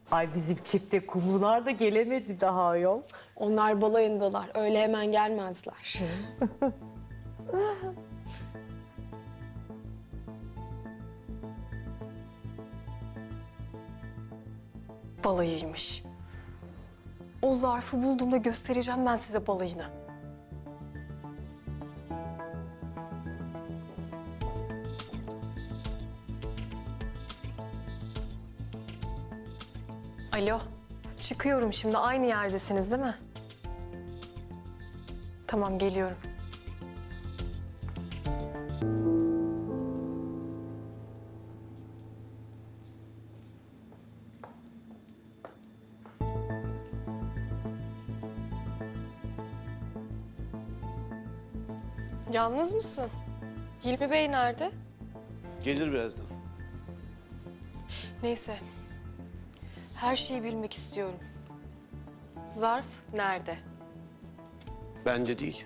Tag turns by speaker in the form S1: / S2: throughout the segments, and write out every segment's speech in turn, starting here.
S1: Ay bizim çifte kumrular da gelemedi daha ayol.
S2: Onlar balayındalar. Öyle hemen gelmezler. Balayıymış. O zarfı bulduğumda göstereceğim ben size balayını. Alo, çıkıyorum şimdi. Aynı yerdesiniz değil mi? Tamam, geliyorum. Yalnız mısın? Hilmi Bey nerede?
S3: Gelir birazdan.
S2: Neyse. Her şeyi bilmek istiyorum. Zarf nerede?
S3: Bende değil.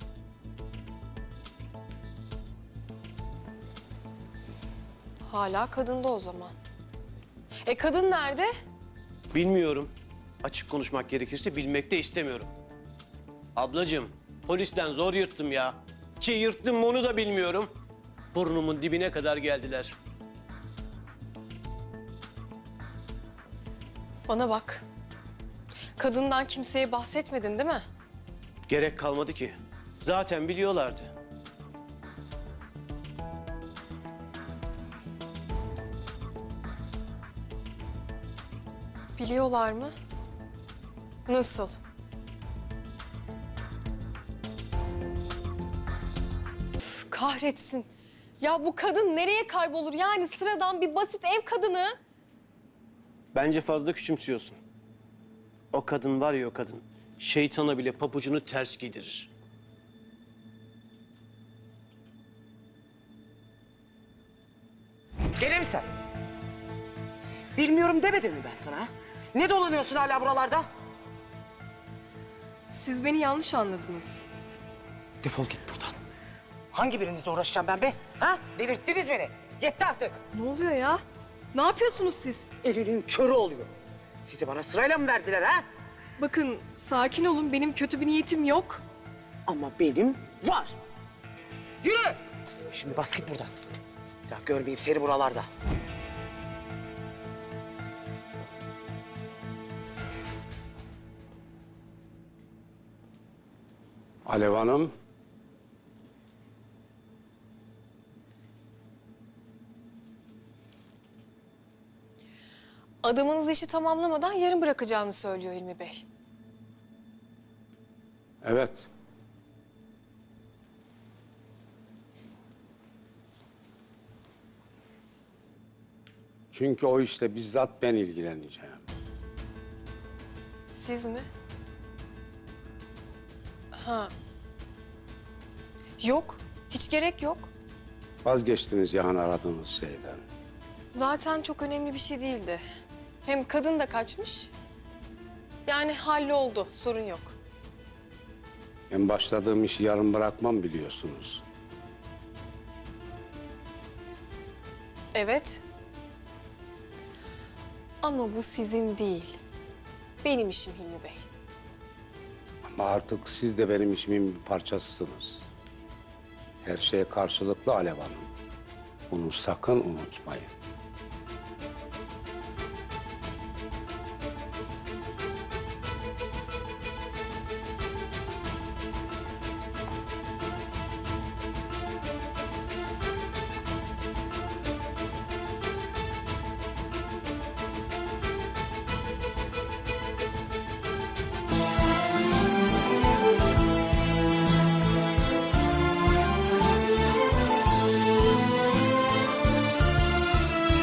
S2: Hala kadında o zaman. Kadın nerede?
S3: Bilmiyorum. Açık konuşmak gerekirse bilmek de istemiyorum. Ablacığım, polisten zor yırttım ya. Ki yırttım mı onu da bilmiyorum. Burnumun dibine kadar geldiler.
S2: Bana bak. Kadından kimseye bahsetmedin değil mi?
S3: Gerek kalmadı ki. Zaten biliyorlardı.
S2: Biliyorlar mı? Nasıl? Üf, kahretsin. Ya bu kadın nereye kaybolur? Yani sıradan bir basit ev kadını.
S3: Bence fazla küçümsüyorsun. O kadın var ya o kadın. Şeytana bile pabucunu ters giydirir.
S4: Gene mi sen? Bilmiyorum demedim mi ben sana? Ha? Ne dolanıyorsun hala buralarda?
S2: Siz beni yanlış anladınız.
S4: Defol git buradan. Hangi birinizle uğraşacağım ben be? Ha? Delirttiniz beni. Yetti artık.
S2: Ne oluyor ya? Ne yapıyorsunuz siz?
S4: Elinin körü oluyor. Sizi bana sırayla mı verdiler ha?
S2: Bakın sakin olun. Benim kötü bir niyetim yok.
S4: Ama benim var. Yürü! Şimdi bas git buradan. Bir daha görmeyeyim seni buralarda.
S5: Alev Hanım.
S2: Adamınız işi tamamlamadan yarın bırakacağını söylüyor Hilmi Bey.
S5: Evet. Çünkü o işle bizzat ben ilgileneceğim.
S2: Siz mi? Ha. Yok. Hiç gerek yok.
S5: Vazgeçtiniz yani aradığınız şeyden.
S2: Zaten çok önemli bir şey değildi. Hem kadın da kaçmış. Yani halloldu. Sorun yok.
S5: Ben başladığım işi yarım bırakmam biliyorsunuz.
S2: Evet. Ama bu sizin değil. Benim işim Hilmi Bey.
S5: Ama artık siz de benim işimin bir parçasısınız. Her şeye karşılıklı Alev Hanım. Bunu sakın unutmayın.